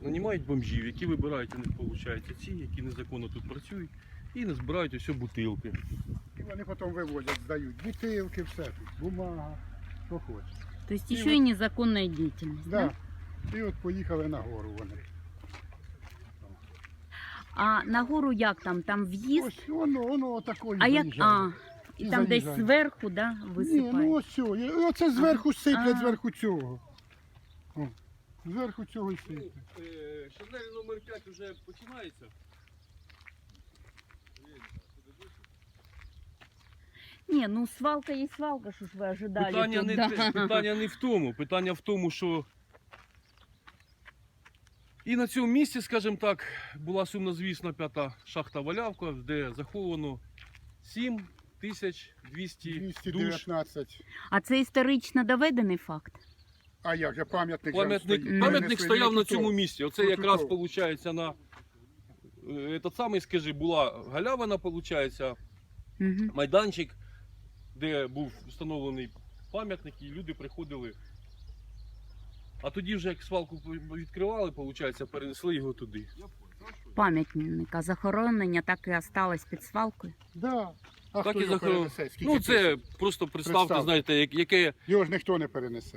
нанімають бомжів, які вибирають у них, виходить, ці, які незаконно тут працюють, і не збирають усі бутилки. І вони потім вивозять, здають бутилки, все тут, бумага, що хочеш. То есть И еще и вот- незаконная деятельность, да? Да. І от поїхали на гору вони. А на гору як там? Там в'їзд? Ось воно такою А як? заїжджає. А, і І там десь заїжджає. зверху, да, Ні, ну висипають? ось цього. Оце зверху сиплять, А. зверху цього. О, зверху цього і сиплять. Шарнель номер 5 вже починається. Ні, ну свалка є свалка, що ж ви ожидали Питання тут, не, да. питання не в тому. Питання в тому, що і на цьому місці, скажімо так, була сумнозвісна 5-та шахта Валявка, де заховано 7200 душ. 219. А це історично доведений факт? А як же пам'ятник? Пам'ятник стояв на цьому місці. Оце Протокол. якраз виходить на этот самий, скажи, була галявина, виходить, Угу. майданчик, де був встановлений пам'ятник, і люди приходили. А тоді вже як свалку відкривали, виходить, перенесли його туди. Пам'ятника захоронення так і осталось під свалкою. Да. А Так хто і його захоронено. перенесе? Скільки Ну це тисяч? просто представте, Представте. знаєте, яке. Його ж ніхто не перенесе.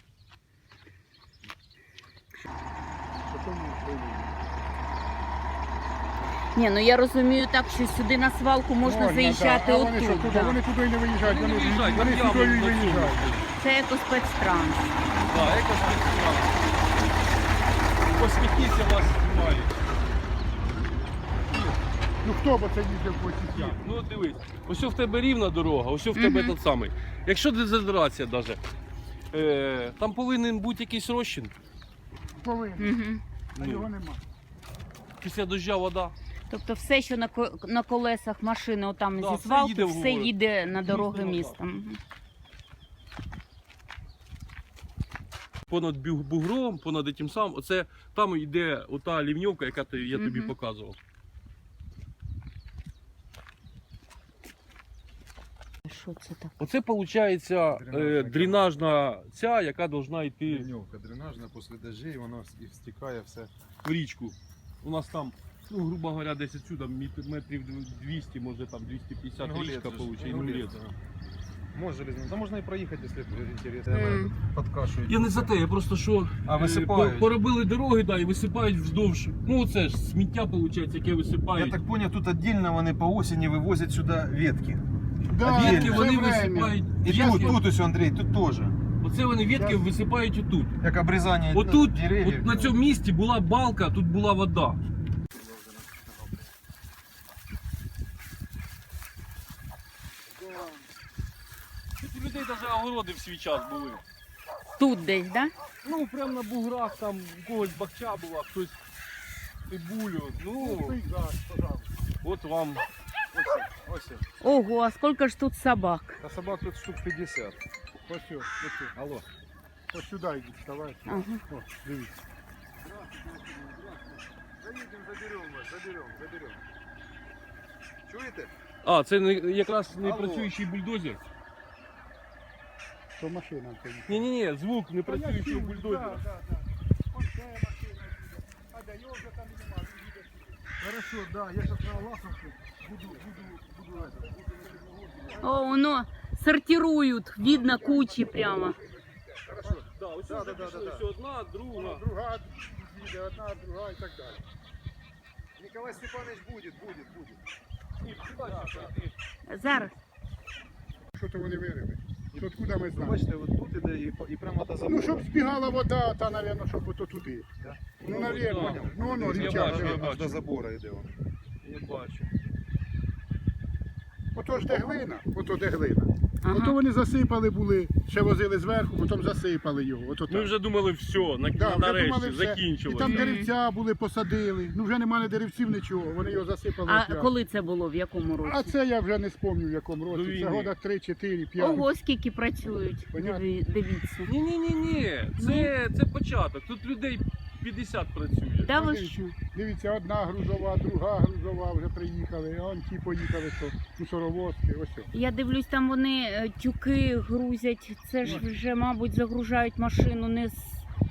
Ні, ну я розумію так, що сюди на свалку можна заїжджати да. А вони що, отут. туди? Да. Вони туди і не виїжджають, Вони не виїжджають, вони там сюди і ями виїжджають. Це екоспецтранс. Да, екоспецтранс. Посміхніться, вас знімають. Ну хто б це їздив по цій ямі? Ну дивись, ось в тебе рівна дорога, ось в тебе Мгм. тот самий. Якщо дезодорація навіть, там повинен бути якийсь розчин. Повинен, Угу. а Ну. його нема. Після дождя вода. Тобто все, що на колесах машини отам Да, зі все свалки, їде в все город. їде на дороги Дійсно, міста. Мгм. Понад бугром, понад тим самим, оце там йде ота лівньовка, яка я тобі Мгм. показував. Що це таке? Оце виходить дренажна ця, яка повинна йти Ливневка дренажна, після дождей воно і стікає все. в річку. У нас там, ну, грубо говоря, десь отсюда метрів 200, може там 250 річка виходить. Інгулець. Може железно. Та можна і проїхати, якщо інтересно. Мгм. Подкашують. Я не за те, я просто що висипають. поробили дороги, да, і висипають вздовж. Ну це ж сміття, виходить, яке Я висипають. так зрозумів, тут віддільно вони по осені вивозять сюди ветки. Да, А Ветки ветки все вони время. висипають. І тут ось, Андрій, тут теж. Оце вони ветки висипають отут. Як обрізання Отут, деревів. от на цьому місці була балка, тут була вода. Тут у людей навіть огороди в свій час були. Тут десь, да? Ну, прямо на буграх, там у когось бахча була, хтось цибулю. Ну, Пейзаж, пожалуйста. от вам. Ось. Ого, а скільки ж тут собак? Та собак тут штук 50. Ось сюди, Алло. ось сюди йдіть, вставайте. Ага. О, дивіться. Заїдемо, заберемо вас, заберемо. Чуєте? А, це якраз не Алло. працюючий бульдозер. То машина стоїть. Ні, звук не працюючого бульдозера. Да. Ось це машина їде. А де його вже там і нема, він їде. Хорошо, да, я зараз на Лаховку буду О, воно сортирують, видно кучі прямо. Да, ось Да, вже да, пішли, да, да. ось одна, друга. Друга їде, одна, друга і так далі. Николай Степанович будет. Ні, дальше пройти. Зараз. Що то вони вирили? То откуда ми Ви знаємо? бачите, от тут іде і прямо до забору. Ну, щоб збігала вода, та, мабуть, щоб ото туди. Да. Ну, навірно. да. Ну, воно, Я річка. бачу, я вже. бачу. Аж до забору йде воно. Я бачу. Ото ж де глина, ото де глина. Ага. Ото вони засипали були, ще возили зверху, потім засипали його. Ото Ми так. вже думали, все, Да, вже нарешті, думали все. І закінчилося. там деревця були, посадили. Ну вже немає деревців, нічого. Вони його засипали. А прямо. коли це було, в якому А році? це я вже не спомню в якому До році. Це війни. года 3, 4, 5. Ого, скільки працюють. Понятно. Дивіться. Ні, це початок. Тут людей 50 працює. Да ви Дивіться, що? Дивіться, одна грузова, друга грузова вже приїхали, а он ті поїхали, то мусоровозки, ось. О. Я дивлюсь, там вони тюки грузять. Це ж вже, мабуть, загружають машину не з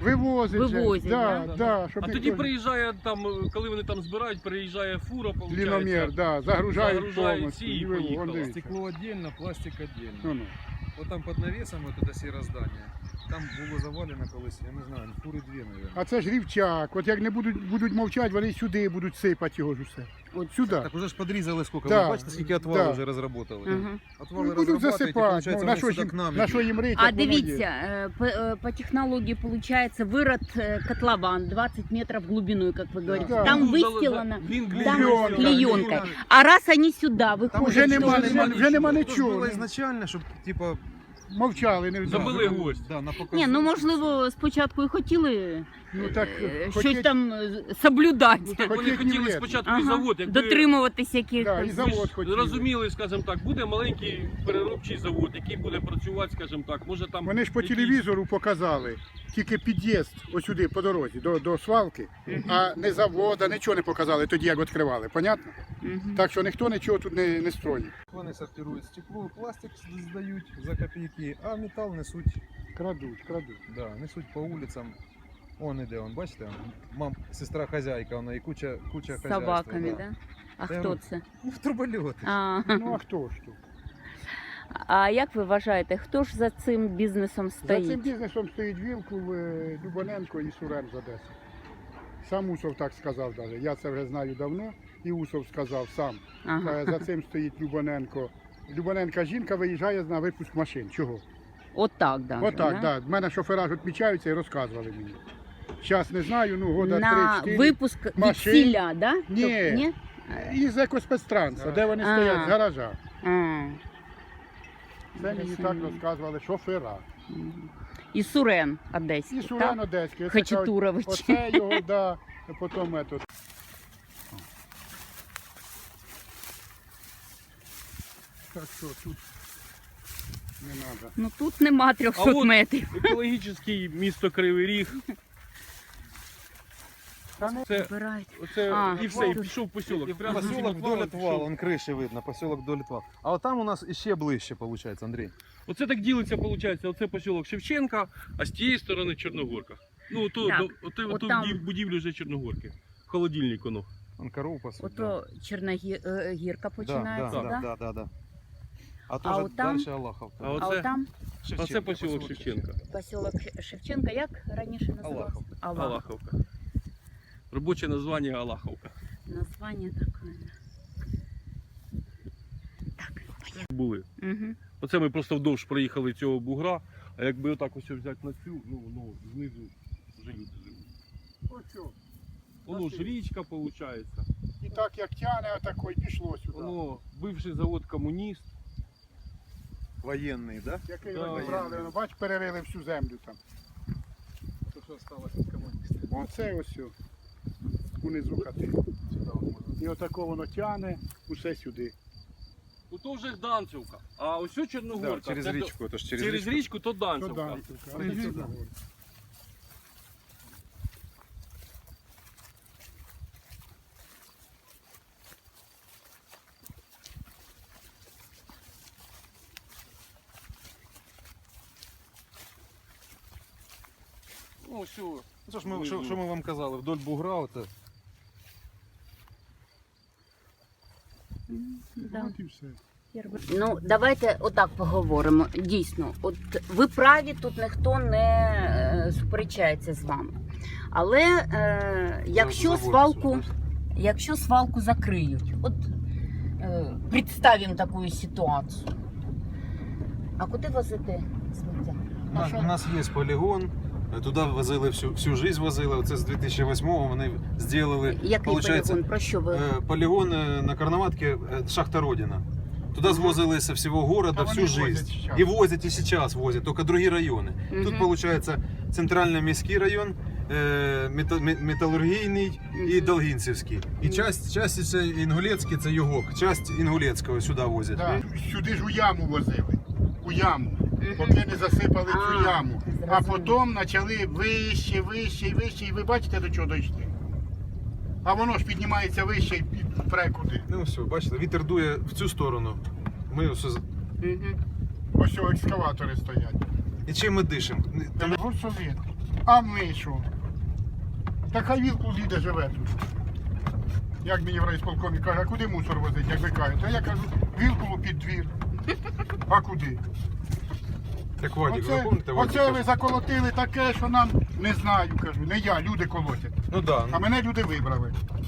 Вивозять. же. Вивозять, да, да? да, щоб А ніхто тоді не- приїжджає там, коли вони там збирають, приїжджає фура, Ліномір, виходить. да, загружають Загружають повністю. ці і і вивозять. поїхали. Вон, дивіться. Стекло отдельно, пластик отдельно. Ну-ну. Вот там под навесом вот это сіре здання. Там було завалено колись, я не знаю, фури дві, мабуть. А це ж рівчак. От як не будуть мовчати, вони сюди будуть сипати його ж усе. От Сюди. Так уже ж подрізали скільки, Да, ви бачите, скільки отвали да. вже розробили. Ага. Отвали Ну, будуть розробляють, і, засипати. виходить, Ну, на що вони ж сюди к нам на що йдуть. їм рить, А як воно є. дивіться, по технологии получается вырод котлован 20 метров в глубину, как вы говорите. Да. Там Був выстилано. Він Там Клейонка, клеенкой. А раз они сюда Там выходят, Уже что нема, же- вже нема Це ж нічого. було ізначально, щоб, типа, Мовчали, не Забили знали. гвоздь. Да, на Ні, ну можливо, спочатку і хотіли Ну так, щось хотіть- там соблюдати, Ну, так вони Хотіть хотіли не вредно. спочатку і ага. завод, якби дотримуватись Да, і якихось. завод ви ж хотіли. розуміли, скажімо так, буде маленький переробчий завод, який буде працювати, скажімо так, може там... Вони ж по якісь- телевізору показали тільки під'їзд ось сюди по дорозі, до свалки, а не завода, нічого не показали тоді, як відкривали. Понятно? Мгм. Так що ніхто нічого тут не строїть. Вони сортирують стекло, пластик здають за копійки, а метал несуть, Крадуть. да, несуть по вулицям. Он іде, он, бачите, сестра хазяйка, вона і куча З хазяйства. собаками, да? А Та хто ну, це? Ну, трубольоти. А, Ну а хто ж тут? а як ви вважаєте, хто ж за цим бізнесом За цим стоїть? бізнесом стоїть Вілкул, Любоненко і Сурен з Одеси. Сам Усов так сказав навіть. Я це вже знаю давно, і Усов сказав сам. Ага. За цим стоїть Любоненко. Любоненка жінка виїжджає на випуск машин. Чого? Отак, да. Отак, так. В мене шофера ж відмічаються і розказували мені. Зараз не знаю, ну года На 3-4. випуск машин. весілля, да? Ні. Тобто, ні? Із екоспецтранса, де вони А. стоять, з гаража. А. Це мені так розказували шофера. Мгм. І Сурен одеський, І Сурен так? Одеський. Оце кажуть, Хачатурович. Оце його, да. Потім метод. Так що тут не треба. Ну тут нема 300 А от- метрів. Екологічний місто Кривий Ріг. Це, Збирають. оце, А, і все, і тут. пішов посілок. І поселок вдоль отвала, он криші видно, поселок вдоль отвала. А от там у нас іще ближче, виходить, Андрій. Оце так ділиться, виходить, оце посілок Шевченка, а з тієї сторони Чорногорка. Ну, то, Так, оту от там. будівлю вже Чорногорки. Холодильник воно. Он корову пасуть. Ото Чорногірка да, починається, да, да? да, да, да. А А то от там- далі Аллаховка. А А оце, от там оце посілок Шевченка. поселок Шевченка, як раніше називався? Аллаховка. Алаховка. Робоче названня Алаховка. Названня таке. Були. Угу. Оце ми просто вдовж проїхали цього бугра, а якби отак ось взяти на цю, ну знизу вже люди живуть. Оцю. Воно ж річка виходить. І так як тяне, отако, і пішло сюди. Воно бивший завод комуніст. Воєнний, да? Який Да, вони брали, ну, бач, перерили всю землю там. То, що сталося від комуністів. Оце ось о, унизу хати. Сюди от можна. І отако воно тяне, усе сюди. Ото вже Данцівка. А ось ось Чорногорка. Да, через Це до- річку, то ж через Через річку. річку то То Данцівка. Данцівка. А Прийди тоді сюди. Чорногорка. Ну, все. Ну, що ж ми, що ми вам казали, вдоль бугра, оце. Да. От і все. Ну, давайте отак поговоримо. Дійсно, от ви праві, тут ніхто не сперечається з вами. Але якщо свалку закриють, от представимо таку ситуацію. А куди возити сміття? У нас є полігон, туди возили всю життя возили. Оце з 2008-го вони зробили, Який получається, полігон? Про що ви? полігон на Карнаватке, шахта Родина. Туда свозили со всего города А всю вони возять жизнь. щас. И возят и сейчас возят, только другие районы. Тут Мгм. получается центрально-міський район, металургійний і Мгм. Долгінцівський. І часть це Інгулецький, це Югок. Часть Інгулецького сюди возять. Да. Сюди ж у яму возили. У яму. Поки не засипали цю яму. А зрозуміло. потім почали вище, і ви бачите, до чого дійшли? А воно ж піднімається вище і пре куди. Ну все, бачите, вітер дує в цю сторону. Ми все... Мгм. Ось цього екскаватори стоять. І чим ми дишимо? Гурсовет. А ми що? Та хай Вілкул їде живе тут. Як мені в райсполкомі каже, а куди мусор возить, як ви кажете? А я кажу, Вілкулу під двір. А куди? Так Вадик, ви Оце, пам'ятаєте, Вадик оце каже, ви заколотили таке, що нам не знаю, кажу, не я, люди колотять. ну да, А мене люди вибрали.